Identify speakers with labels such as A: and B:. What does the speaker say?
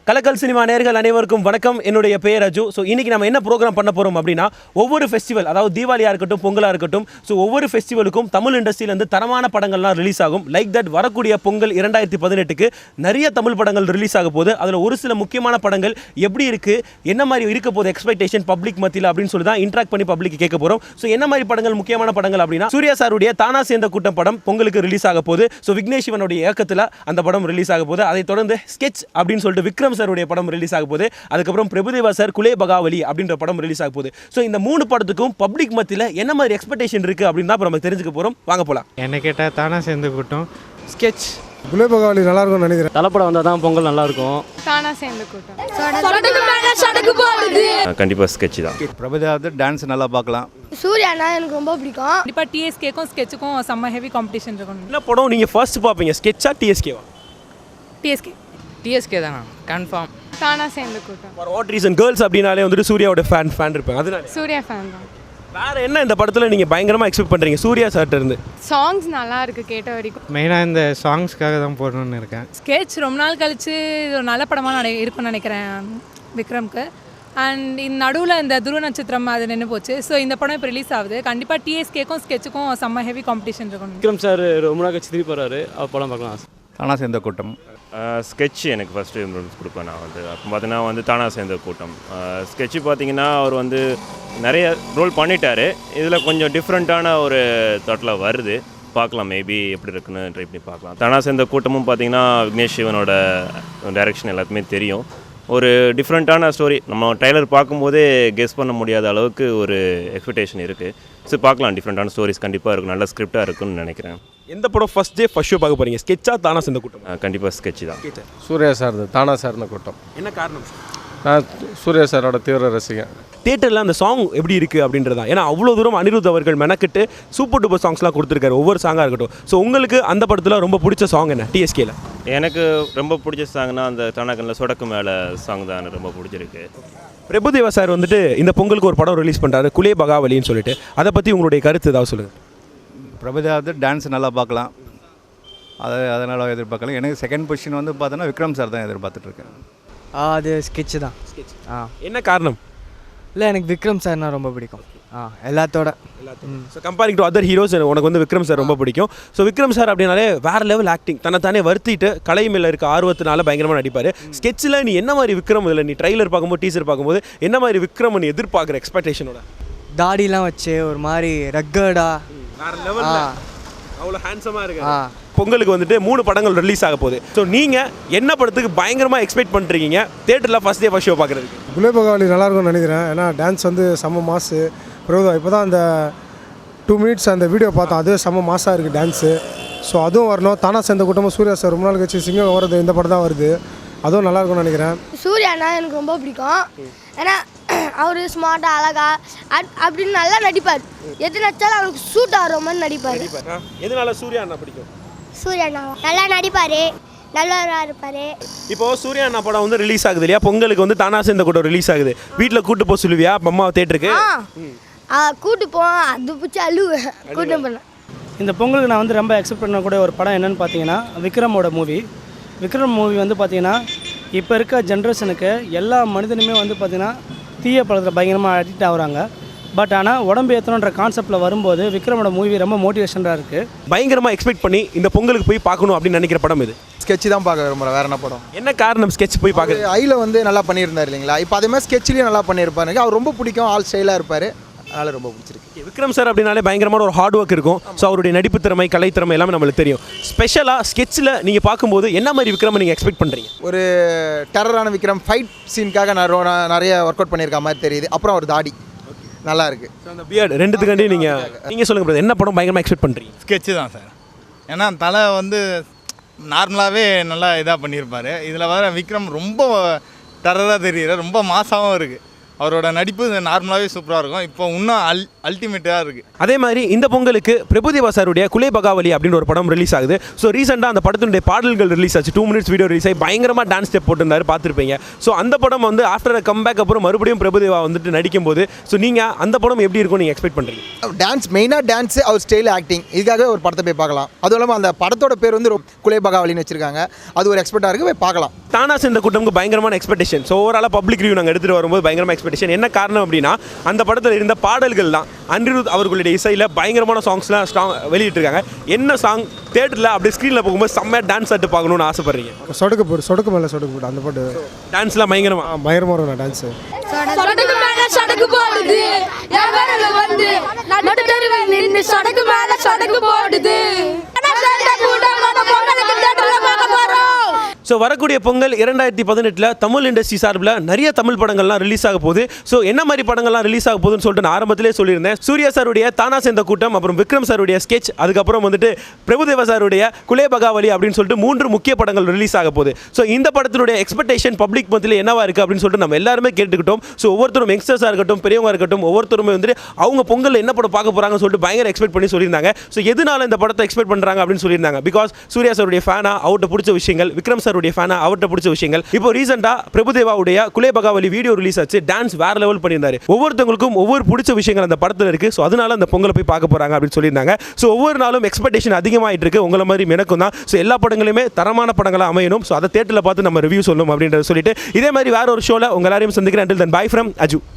A: கலக்கல் சினிமா நேயர்கள் அனைவருக்கும் வணக்கம். என்னுடைய பெயர் அஜு. ஸோ இன்றைக்கி நம்ம என்ன ப்ரோக்ராம் பண்ண போகிறோம் அப்படின்னா, ஒவ்வொரு ஃபெஸ்டிவல், அதாவது தீபாவளியாக இருக்கட்டும், பொங்கலாக இருக்கட்டும், ஸோ ஒவ்வொரு ஃபெஸ்டிவலுக்கும் தமிழ் இண்டஸ்ட்ரியிலேருந்து தரமான படங்கள்லாம் ரிலீஸ் ஆகும். லைக் தட் வரக்கூடிய பொங்கல் 2018க்கு நிறைய தமிழ் படங்கள் ரிலீஸ் ஆக போகுது. அதில் ஒரு சில முக்கியமான படங்கள் எப்படி இருக்குது, என்ன மாதிரி இருக்க போகுது எக்ஸ்பெக்டேஷன் பப்ளிக் மத்தியில் அப்படின்னு சொல்லி தான் இன்ட்ராக்ட் பண்ணி பப்ளிக் கேட்க போகிறோம். ஸோ என்ன மாதிரி படங்கள் முக்கியமான படங்கள் அப்படின்னா, சூர்யா சாருடைய தானா சேர்ந்த கூட்டம் படம் பொங்கலுக்கு ரிலீஸ் ஆக போகுது. ஸோ விக்னேஷ் சிவனுடைய இயக்கத்தில் அந்த படம் ரிலீஸ் ஆக போகுது. அதை தொடர்ந்து ஸ்கெட்ச் அப்படின்னு சொல்லிட்டு விக்ரம் சாருடைய படம் ரிலீஸ் ஆக போகுது. அதுக்கப்புறம் பிரபுதேவா சார் குலே பகாவலி அப்படின்ற படம் ரிலீஸ் ஆக போகுது. ஸோ இந்த 3 படத்துக்கும் பப்ளிக் மத்தியில் என்ன மாதிரி எக்ஸ்பெக்டேஷன் இருக்குது அப்படின்னு தான் நம்ம தெரிஞ்சுக்க போகிறோம். வாங்க போகலாம்.
B: என்ன கேட்டால் தானா சேர்ந்து கூட்டம் ஸ்கெட்ச்
C: குலே பகாவலி நல்லா இருக்கும்னு நினைக்கிறேன்.
D: தலைப்படம் வந்தால் தான் பொங்கல் நல்லா இருக்கும்.
E: தானா சேர்ந்து கூட்டம்
F: கண்டிப்பாக ஸ்கெட்ச் தான்.
G: பிரபுதேவா டான்ஸ் நல்லா பார்க்கலாம்.
E: சூர்யானா எனக்கு ரொம்ப பிடிக்கும்.
H: கண்டிப்பாக டிஎஸ்கேக்கும் ஸ்கெட்சுக்கும் செம்ம ஹெவி காம்படிஷன் இருக்கும்.
A: என்ன படம் நீங்கள் ஃபர்ஸ்ட் பார்ப்பீங்க, ஸ்கெட்சா டிஎஸ்கேவா?
H: டிஎஸ்கே தானா கன்ஃபார்ம்.
E: தானா சேர்ந்து கூட்டம்.
A: For what reason? கேர்ள்ஸ் அப்படின்னாலே வந்துட்டு சூர்யாவோட ஃபேன் இருப்பாங்க. அதனால
E: சூர்யா ஃபேன் தான்.
A: வேற என்ன இந்த படத்தில் நீங்கள் பயங்கரமாக எக்ஸ்பெக்ட் பண்ணுறீங்க சூர்யா சார்ட்ட இருந்து?
E: சாங்ஸ் நல்லா இருக்கு கேட்ட வரைக்கும்.
B: மெயினாக இந்த சாங்ஸ்க்காக தான் போடணும்னு இருக்கேன்.
H: ஸ்கெட்ச் ரொம்ப நாள் கழிச்சு இது ஒரு நல்ல படமாக இருக்கும்னு நினைக்கிறேன் விக்ரம்க்கு. அண்ட் இந்த நடுவில் இந்த துருவ நட்சத்திரம் அது நின்று போச்சு. ஸோ இந்த படம் இப்போ ரிலீஸ் ஆகுது. கண்டிப்பாக டிஎஸ்கேக்கும் ஸ்கெட்சுக்கும் செம்ம ஹெவி காம்படிஷன் இருக்கும்.
D: விக்ரம் சார் ரொம்ப நாள் கழிச்சு திருப்பி போகிறாரு, அவர் படம் பார்க்கலாம்.
G: தானா சேர்ந்த கூட்டம்
F: ஸ்கெட்ச் எனக்கு ஃபஸ்ட்டு இம்ப்ரூவ்மெண்ட்ஸ் கொடுப்பேன். நான் வந்து அப்போ பார்த்தீங்கன்னா வந்து தானா சேர்ந்த கூட்டம் ஸ்கெட்சு பார்த்தீங்கன்னா அவர் வந்து நிறைய ரோல் பண்ணிட்டார். இதில் கொஞ்சம் டிஃப்ரெண்ட்டான ஒரு தாட்டில் வருது. பார்க்கலாம், மேபி எப்படி இருக்குன்னு ட்ரை பண்ணி பார்க்கலாம். தானா சேர்ந்த கூட்டமும் பார்த்தீங்கன்னா விக்னேஷ் சிவனோட டைரக்ஷன் எல்லாத்துமே தெரியும். ஒரு டிஃப்ரெண்ட்டான ஸ்டோரி, நம்ம ட்ரைலர் பார்க்கும்போதே கெஸ் பண்ண முடியாத அளவுக்கு ஒரு எக்ஸ்பெக்டேஷன் இருக்குது. ஸோ பார்க்கலாம், டிஃப்ரெண்ட்டான ஸ்டோரிஸ் கண்டிப்பாக இருக்கும், நல்ல ஸ்கிரிப்டாக இருக்குன்னு நினைக்கிறேன்.
A: எந்த படம் ஃபர்ஸ்ட் டே ஃபர்ஸ்ட் ஷோ பார்க்க போகிறீங்க, ஸ்கெட்சா தானா சேர்ந்த கூட்டம்?
F: கண்டிப்பாக ஸ்கெட்ச் தான்.
C: சூர்யா சார் தானா சேர்ந்த கூட்டம்.
A: என்ன காரணம்?
C: நான் சூர்யா சாரோட தீவிர ரசிகன்.
A: தியேட்டரில் அந்த சாங் எப்படி இருக்குது அப்படின்றது தான். ஏன்னா அவ்வளோ தூரம் அனிருத் அவர்கள் மெனக்கிட்டு சூப்பர் டூப்பர் சாங்ஸ்லாம் கொடுத்துருக்காரு, ஒவ்வொரு சாங்காக இருக்கட்டும். ஸோ உங்களுக்கு அந்த படத்தில் ரொம்ப பிடிச்ச சாங் என்ன டிஎஸ்கேல?
F: எனக்கு ரொம்ப பிடிச்ச சாங்னா அந்த தானாக்கனில் சொடக்கு மேலே சாங் தான் எனக்கு ரொம்ப பிடிச்சிருக்கு.
A: பிரபுதேவா சார் வந்துட்டு இந்த பொங்கலுக்கு ஒரு படம் ரிலீஸ் பண்ணுறாரு, குலே பகாவலின்னு சொல்லிட்டு. அதை பற்றி உங்களுடைய கருத்து ஏதாவது சொல்லுங்கள்.
G: பிரபுதேவா டான்ஸ் நல்லா பார்க்கலாம், அதனால் எதிர்பார்க்கலாம். எனக்கு செகண்ட் பொசிஷன் வந்து பார்த்தோன்னா விக்ரம் சார் தான் எதிர்பார்த்துட்ருக்கேன்.
B: அது ஸ்கெட்சு தான்.
A: என்ன காரணம்?
B: இல்லை, எனக்கு விக்ரம் சார்னா ரொம்ப பிடிக்கும். எல்லாத்தோட
A: so comparing to other heroes உனக்கு வந்து விக்ரம் சார் ரொம்ப பிடிக்கும். ஸோ விக்ரம் சார் அப்படின்னாலே வேறு லெவல் ஆக்டிங், தன்னைத்தானே வருத்திட்டு கலை மேலே இருக்க ஆர்வத்தினால பயங்கரமாக நடிப்பார். ஸ்கெட்சில் நீ என்ன மாதிரி விக்ரம், இதில் நீ ட்ரைலர் பார்க்கும்போது டீசர் பார்க்கும்போது என்ன மாதிரி விக்ரம் நீ எதிர்பார்க்குற எக்ஸ்பெக்டேஷனோட?
B: தாடிலாம் வச்சு ஒரு மாதிரி ரக்கடா
A: வேறு லெவல், அவ்வளோ ஹேண்ட்ஸமாக இருக்கு. பொங்கலுக்கு வந்துட்டு 3 படங்கள் ரிலீஸ் ஆக போகுது. ஸோ நீங்கள் என்ன படத்துக்கு பயங்கரமாக எக்ஸ்பெக்ட் பண்ணுறீங்க தேட்டரில் ஃபர்ஸ்ட் டே ஃபர்ஸ்ட் ஷோ பார்க்குறதுக்கு?
C: குலே பகாவலி நல்லா இருக்கும்னு நினைக்கிறேன். ஏன்னா டான்ஸ் வந்து செம்ம மாசு. பிரபுதா இப்போ தான் அந்த 2 மினிட்ஸ் அந்த வீடியோ பார்த்தோம், அதுவே செம்ம மாசாக இருக்குது டான்ஸு. ஸோ அதுவும் வரணும். தானா சேர்ந்த கூட்டமும் சூர்யா சார் ரொம்ப நாள் கழிச்சு சிங்கம் வருது, இந்த படம் தான் வருது, அதுவும் நல்லா இருக்கும்னு நினைக்கிறேன்.
E: சூர்யானா எனக்கு ரொம்ப பிடிக்கும். ஏன்னா அவர் ஸ்மார்ட்டாக அழகா அப்படின்னு நல்லா நடிப்பார். எது நடிச்சாலும் அவருக்கு சூட் ஆகிற மாதிரி நடிப்பார்.
A: எதனால சூர்யா அண்ணா பிடிக்கும்?
E: சூர்யானா நல்லா நடிப்பார், நல்லவராக இருப்பார்.
A: இப்போது சூர்யா அண்ணா படம் வந்து ரிலீஸ் ஆகுது இல்லையா, பொங்கலுக்கு வந்து தானா சேர்ந்த கூட்டம் ரிலீஸ் ஆகுது. வீட்டில் கூட்டு போக சொல்லுவியா அம்மா தேட்டருக்கு?
E: கூட்டு போவோம், அது பிடிச்சி அழுவேன் கூட்டு போனேன்.
D: இந்த பொங்கலுக்கு நான் வந்து ரொம்ப எக்ஸ்பெக்ட் பண்ணக்கூடிய ஒரு படம் என்னென்னு பார்த்தீங்கன்னா விக்ரமோட மூவி. விக்ரம் மூவி வந்து பார்த்திங்கன்னா இப்போ இருக்க ஜென்ரேஷனுக்கு எல்லா மனிதனுமே வந்து பார்த்திங்கன்னா தீய பழத்தில் பயங்கரமாக அடிக்ட் ஆகுறாங்க. பட் ஆனால் உடம்பு ஏற்றணுன்ற கான்செப்டில் வரும்போது விக்ரமோட மூவி ரொம்ப மோட்டிவேஷனாக இருக்குது.
A: பயங்கரமாக எக்ஸ்பெக்ட் பண்ணி இந்த பொங்கலுக்கு போய் பார்க்கணும் அப்படின்னு நினைக்கிற படம் இது?
I: ஸ்கெட்ச் தான் பார்க்க விரும்புகிறேன். வேறு என்ன படம்?
A: என்ன காரணம் ஸ்கெட்ச் போய் பார்க்க?
I: ஐயில் வந்து நல்லா பண்ணியிருந்தார் இல்லைங்களா, இப்போ அதே மாதிரி ஸ்கெட்ச்லேயும் நல்லா பண்ணியிருப்பாரு. அவர் ரொம்ப பிடிக்கும், ஆல் ஸ்டைலாக இருப்பார், அதனால் ரொம்ப பிடிச்சிருக்கு.
A: விக்ரம் சார் அப்படின்னாலே பயங்கரமான ஒரு ஹார்ட் ஒர்க் இருக்கும். ஸோ அவருடைய நடிப்பு திறமை, கலை திறமை எல்லாமே நம்மளுக்கு தெரியும். ஸ்பெஷலாக ஸ்கெட்சில் நீங்கள் பார்க்கும்போது என்ன மாதிரி விக்ரமை நீங்கள் எக்ஸ்பெக்ட் பண்ணுறீங்க?
I: ஒரு டெரரான விக்ரம், ஃபைட் சீனுக்காக நிறைய ஒர்க் அவுட் பண்ணியிருக்க மாதிரி தெரியுது. அப்புறம் ஒரு தாடி நல்லா இருக்குது.
A: அந்த பியர்டு ரெண்டுத்துக்காண்டி நீங்கள் சொல்லுங்கள் பிரதர், என்ன படம் பயங்கரமாக எக்ஸ்பெக்ட் பண்ணுறீங்க?
G: ஸ்கெட்சு தான் சார். ஏன்னா தலை வந்து நார்மலாகவே நல்லா இதாக பண்ணியிருப்பார். இதில் வர விக்ரம் ரொம்ப டெரராக தெரியுற, ரொம்ப மாசாகவும் இருக்குது.
J: அவரோட நடிப்பு நார்மலாகவே சூப்பராக இருக்கும். இப்போ இன்னும் அல்டிமேட்டாக இருக்குது.
A: அதே மாதிரி இந்த பொங்கலுக்கு பிரபுதேவா சாருடைய குலே பகாவலி அப்படின்னு ஒரு படம் ரிலீஸ் ஆகுது. ஸோ ரீசெண்டாக அந்த படத்தினுடைய பாடல்கள் ரிலீஸ் ஆச்சு. 2 minutes வீடியோ ரிலீஸ் ஆகி பயங்கரமாக டான்ஸ் ஸ்டெப் போட்டிருந்தாரு, பார்த்துருப்பீங்க. ஸோ அந்த படம் வந்து ஆஃப்டர் கம்பேக் அப்புறம் மறுபடியும் பிரபுதேவா வந்துட்டு நடிக்கும் போது ஸோ நீங்கள் அந்த படம் எப்படி இருக்கும் நீங்கள் எக்ஸ்பெக்ட் பண்ணுறீங்க?
I: டான்ஸ் மெயினாக டான்ஸு, அவர் ஸ்டைல் ஆக்டிங், இதுக்காகவே ஒரு படத்தை போய் பார்க்கலாம். அதுவும் இல்லாமல் அந்த படத்தோட பேர் வந்து குலே பகாவலின்னு வச்சிருக்காங்க. அது ஒரு எக்ஸ்பெக்டாக இருக்குது, போய் பார்க்கலாம்.
A: தானா சேர்ந்த கூட்டமுக்கு பயங்கரமான எக்ஸ்பெக்டேஷன். ஸோ ஓவராலாக பப்ளிக் ரிவ்யூ நாங்கள் எடுத்துகிட்டு வரும்போது பயங்கரமாக எக்ஸ்பெக்டேஷன். என்ன காரணம் அப்படின்னா அந்த படத்தில் இருந்த பாடல்கள் தான். அனிருத் அவர்களுடைய இசையில் பயங்கரமான சாங்ஸ்லாம் வெளியிட்டிருக்காங்க. என்ன சாங் தேட்டரில் அப்படி ஸ்க்ரீனில் போகும்போது செம்மையாக டான்ஸ் ஆட்டு பார்க்கணும்னு ஆசைப்படுறீங்க?
C: சொடுக்கு மேலே சொடுக்கு போட்டு அந்த பாட்டு
A: டான்ஸ்லாம் பயங்கரமாக
C: பயங்கரமாக இருக்கும் டான்ஸு.
E: சொடக்கு மேல சொடக்கு போடுது என் விரல வந்து நடு தெருவில் நின்னு சொடக்கு மேல சொடக்கு போடுது.
A: ஸோ வரக்கூடிய பொங்கல் 2018 தமிழ் இண்டஸ்ட்ரி சார்பில் நிறைய தமிழ் படங்கள்லாம் ரிலீஸ் ஆக போகுது. ஸோ என்ன மாதிரி படங்கள்லாம் ரிலீஸ் ஆக போகுதுன்னு சொல்லிட்டு நான் ஆரம்பத்திலே சொல்லியிருந்தேன். சூர்யா சாருடைய தானா சேர்ந்த கூட்டம், அப்புறம் விக்ரம் சாருடைய ஸ்கெட்ச், அதுக்கப்புறம் வந்துட்டு பிரபுதேவா சாருடைய குலே பகாவலி அப்படின்னு சொல்லிட்டு 3 முக்கிய படங்கள் ரிலீஸ் ஆக போகுது. ஸோ இந்த படத்தினுடைய எக்ஸ்பெக்டேஷன் பப்ளிக் மத்தியில் என்னவா இருக்குது அப்படின்னு சொல்லிட்டு நம்ம எல்லாருமே கேட்டுக்கிட்டோம். ஸோ ஒவ்வொருத்தரும் யங்ஸ்டர்ஸாக இருக்கட்டும், பெரியவங்க இருக்கட்டும், ஒவ்வொருத்தருமே வந்துட்டு அவங்க பொங்கல் என்ன படம் பார்க்க போகிறாங்கன்னு சொல்லிட்டு பயங்கர எக்ஸ்பெக்ட் பண்ணி சொல்லியிருந்தாங்க. ஸோ எதனால இந்த படத்தை எக்ஸ்பெக்ட் பண்ணுறாங்க அப்படின்னு சொல்லியிருந்தாங்க. பிகாஸ் சூர்யா சாருடைய ஃபேனா அவர்கிட்ட பிடிச்ச விஷயங்கள், விக்ரம் சாருடைய ஃபேனா அவர்கிட்ட பிடிச்ச விஷயங்கள். இப்போ ரீசெண்டாக பிரபுதேவாவுடைய குலே பகாவலி வீடியோ ரிலீஸ் ஆச்சு. டான்ஸ் வேற லெவல் பண்ணியிருந்தாரு. ஒவ்வொருத்தவங்களுக்கும் ஒவ்வொரு பிடிச்ச விஷயங்கள் அந்த படத்தில் இருக்குது. ஸோ அதனால அந்த பொங்கலை போய் பார்க்க போகிறாங்க அப்படின்னு சொல்லியிருந்தாங்க. ஸோ ஒவ்வொரு நாளும் எக்ஸ்பெக்டேஷன் அதிகமாகிட்டு இருக்கு. உங்களை மாதிரி எனக்கும் தான். ஸோ எல்லா படங்களுமே தரமான படங்களாக அமையணும். ஸோ அதை தேட்டரில் பார்த்து நம்ம ரிவ்யூ சொல்லணும் அப்படின்றத சொல்லிட்டு இதே மாதிரி வேற ஒரு ஷோவில் உங்க எல்லாரையும் சந்திக்கிறேன். Until then, bye from Aju.